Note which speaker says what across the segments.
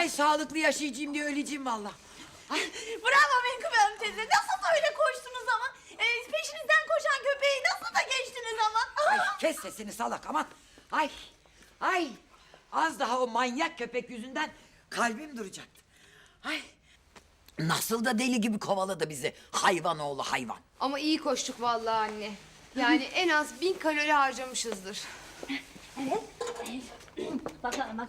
Speaker 1: Ay sağlıklı yaşayacağım diye öleceğim valla.
Speaker 2: Bravo Menkıbe Hanım teyze. Nasıl öyle koştunuz ama? Peşinizden koşan köpeği nasıl da geçtiniz ama?
Speaker 1: Ay kes sesini salak aman. Ay az daha o manyak köpek yüzünden kalbim duracaktı. Ay nasıl da deli gibi kovaladı bizi hayvan oğlu hayvan.
Speaker 3: Ama iyi koştuk vallahi anne. Yani en az 1000 kalori harcamışızdır.
Speaker 2: Evet. Bakalım.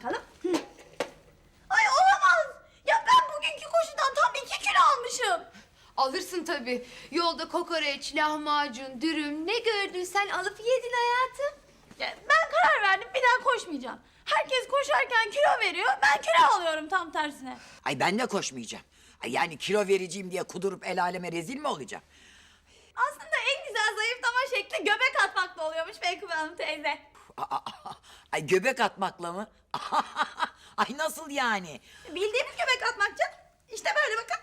Speaker 2: Ay olamaz. Ya ben bugünkü koşudan tam 2 kilo almışım.
Speaker 3: Alırsın tabii. Yolda kokoreç, lahmacun, dürüm ne gördüysen alıp yedin hayatım.
Speaker 2: Ya ben karar verdim bir daha koşmayacağım. Herkes koşarken kilo veriyor. Ben kilo alıyorum tam tersine.
Speaker 1: Ay ben de koşmayacağım. Ay yani kilo vereceğim diye kudurup el aleme rezil mi olacağım?
Speaker 2: Aslında en güzel zayıflama şekli göbek atmakla oluyormuş Menkıbe Hanım teyze.
Speaker 1: Ay göbek atmakla mı? Ay nasıl yani?
Speaker 2: Bildiğimiz göbek atmak canım. İşte böyle bakın.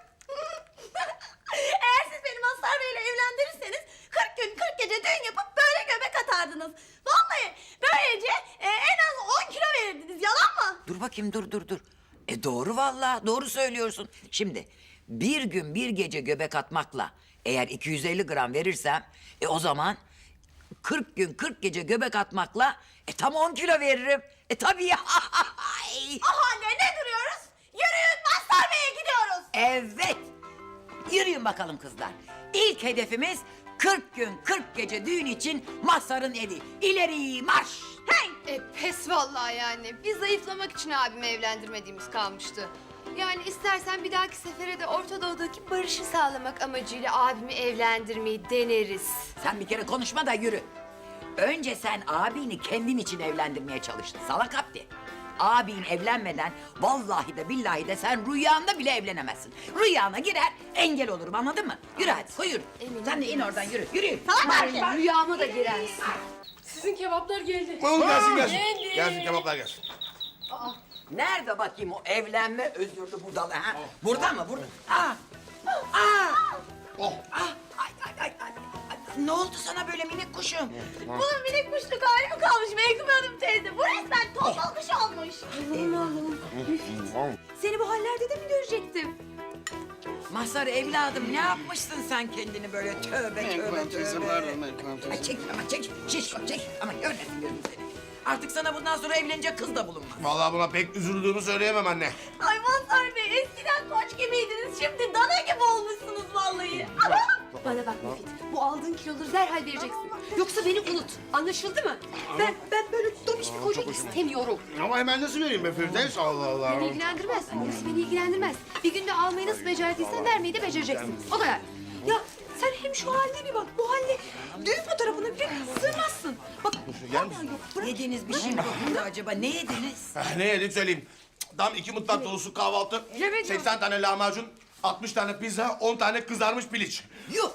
Speaker 2: Eğer siz beni Mazhar Bey'le evlendirirseniz 40 gün 40 gece düğün yapıp böyle göbek atardınız. Vallahi böylece en az 10 kilo verirdiniz. Yalan mı?
Speaker 1: Dur bakayım dur. Doğru vallahi doğru söylüyorsun. Şimdi bir gün bir gece göbek atmakla eğer 250 gram verirsem o zaman 40 gün 40 gece göbek atmakla tam 10 kilo veririm. Tabii ya.
Speaker 2: Ah anne ne duruyoruz? Yürüyün Mazhar Bey'e gidiyoruz.
Speaker 1: Evet. Yürüyün bakalım kızlar. İlk hedefimiz 40 gün 40 gece düğün için Mazhar'ın evi. İleri marş.
Speaker 2: Hey!
Speaker 3: Pes vallahi yani. Biz zayıflamak için abimi evlendirmediğimiz kalmıştı. Yani istersen bir dahaki sefere de Orta Doğu'daki barışı sağlamak amacıyla abimi evlendirmeyi deneriz.
Speaker 1: Sen bir kere konuşma da yürü. Önce sen abini kendin için evlendirmeye çalıştın salak Abdi. Abin evlenmeden vallahi de billahi de sen rüyanda bile evlenemezsin. Rüyana girer engel olurum anladın mı? Yürü hadi koy yürü. Sen de in oradan yürü. Yürü.
Speaker 3: Bari rüyama da girersin.
Speaker 4: Sizin kebaplar geldi.
Speaker 5: Oğlum gelsin.
Speaker 4: Geldi.
Speaker 5: Gelsin kebaplar gelsin.
Speaker 1: Nerede bakayım o evlenme özürlü budalı ha? Burada mı? Burada.
Speaker 5: Oh.
Speaker 1: Ay. Ne oldu sana böyle minik kuşum?
Speaker 2: Bunun minik kuşluk hali mi kalmış Menkıbe Hanım teyze? Bu resmen tombul kuş olmuş.
Speaker 3: Seni bu hallerde de mi görecektim?
Speaker 1: Mazhar evladım ne yapmışsın sen kendini böyle tövbe. Ay çek ama çek. Şişko çek. Ama görmesin gözüm seni. Artık sana bundan sonra evlenecek kız da bulunmaz.
Speaker 5: Vallahi buna pek üzüldüğümü söyleyemem anne.
Speaker 2: Ay Mazhar Bey eskiden koç gibiydiniz. Şimdi dana gibi olmuşsunuz vallahi.
Speaker 3: Bana bak Müfit, bu aldığın kiloları derhal vereceksin. Yoksa beni unut. Anlaşıldı mı? Ben böyle dobiş bir koca istemiyorum.
Speaker 5: Ama hemen nasıl vereyim be Firdevs? Allah Allah.
Speaker 3: Beni ilgilendirmez. Orası beni ilgilendirmez. Bir günde almayı nasıl becerdiysen vermeyi de becereceksin. O kadar. Ya sen hem şu haline bir bak. Bu haline düğün fotoğrafına bile sığmazsın. Bak
Speaker 5: Gel misin?
Speaker 1: Yediğiniz bir şey mi dokundu acaba? Ne yediniz?
Speaker 5: Ne yedik söyleyeyim. Tam 2 mutfak dolusu kahvaltı, 80 tane lahmacun, 60 tane pizza, 10 tane kızarmış piliç.
Speaker 1: Yuh!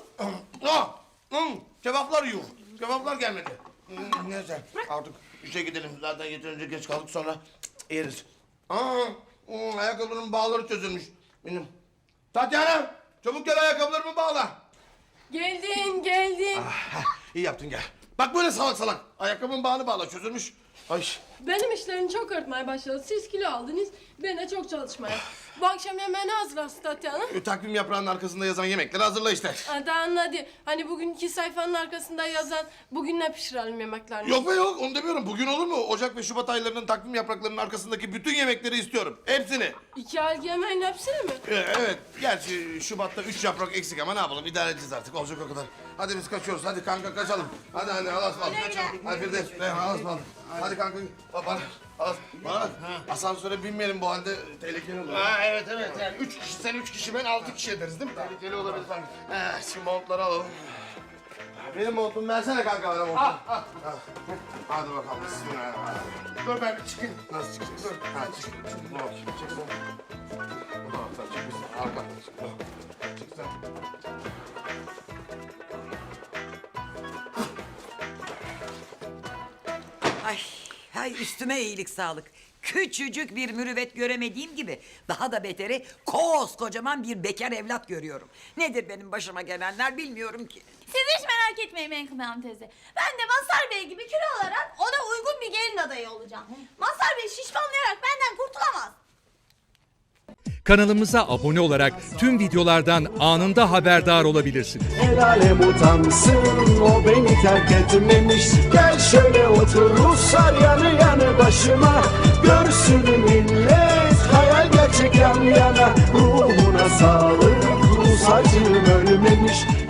Speaker 5: Kebaplar yuh. Kebaplar gelmedi. Neyse artık işe gidelim. Zaten yeterince geç kaldık sonra yeriz. Ayakkabılarımın bağları çözülmüş. Benim. Tatyana çabuk gel ayakkabılarımı bağla.
Speaker 4: Geldin.
Speaker 5: İyi yaptın gel. Bak böyle salak. Ayakkabımın bağını bağla çözülmüş. Ay.
Speaker 4: Benim işlerim çok artmaya başladı. Siz kilo aldınız, ben de çok çalışmaya. Bu akşam yemeğini hazırlasın Tatyana.
Speaker 5: Takvim yaprağının arkasında yazan yemekleri hazırla işte.
Speaker 4: Hadi anladı. Hani bugünkü sayfanın arkasında yazan bugün ne pişirelim yemeklerini.
Speaker 5: Yok be yok onu demiyorum. Bugün olur mu? Ocak ve Şubat aylarının takvim yapraklarının arkasındaki bütün yemekleri istiyorum. Hepsini.
Speaker 4: 2 aylık yemeğin hepsini mi?
Speaker 5: Evet. Gerçi Şubat'ta 3 yaprak eksik ama ne yapalım? İdare edeceğiz artık. Olacak o kadar. Hadi biz kaçıyoruz. Hadi kanka kaçalım. Hadi Allah'a ısmarladık. Kaçalım. Hadi Firdevs. Allah'a ısmarladık. Hadi kanka. Bana bak. Asansöre binmeyelim bu halde tehlikeli olur.
Speaker 6: Evet. Yani 3 kişi sen 3 kişi ben 6 kişi ederiz değil mi?
Speaker 5: Tehlikeli olabilir sanki. Şimdi montları alalım. Benim montumu versene kanka bana montumu. Hadi bakalım. Bismillahirrahmanirrahim.
Speaker 6: Dur ben bir çıkayım.
Speaker 5: Nasıl çıkacağız? Dur. Çık. Dur bakayım. Çık sen. Bu taraftan çık. Biz arkadan çık. Çık sen.
Speaker 1: Ay üstüme iyilik sağlık. Küçücük bir mürüvvet göremediğim gibi daha da beteri koskocaman bir bekar evlat görüyorum. Nedir benim başıma gelenler bilmiyorum ki.
Speaker 2: Siz hiç merak etmeyin Menkıbe Hanım teyze. Ben de Mazhar Bey gibi kilo alarak ona uygun bir gelin adayı olacağım. Mazhar Bey şişmanlayarak benden kurtulamaz.
Speaker 7: Kanalımıza abone olarak tüm videolardan anında haberdar olabilirsiniz.
Speaker 8: El alem utansın, o beni terk etmemiş. Gel şöyle otur Ruslar yanı yanı başıma. Görsün millet, hayal gerçek yan yana. Ruhuna sağlık, Rus acım ölmemiş.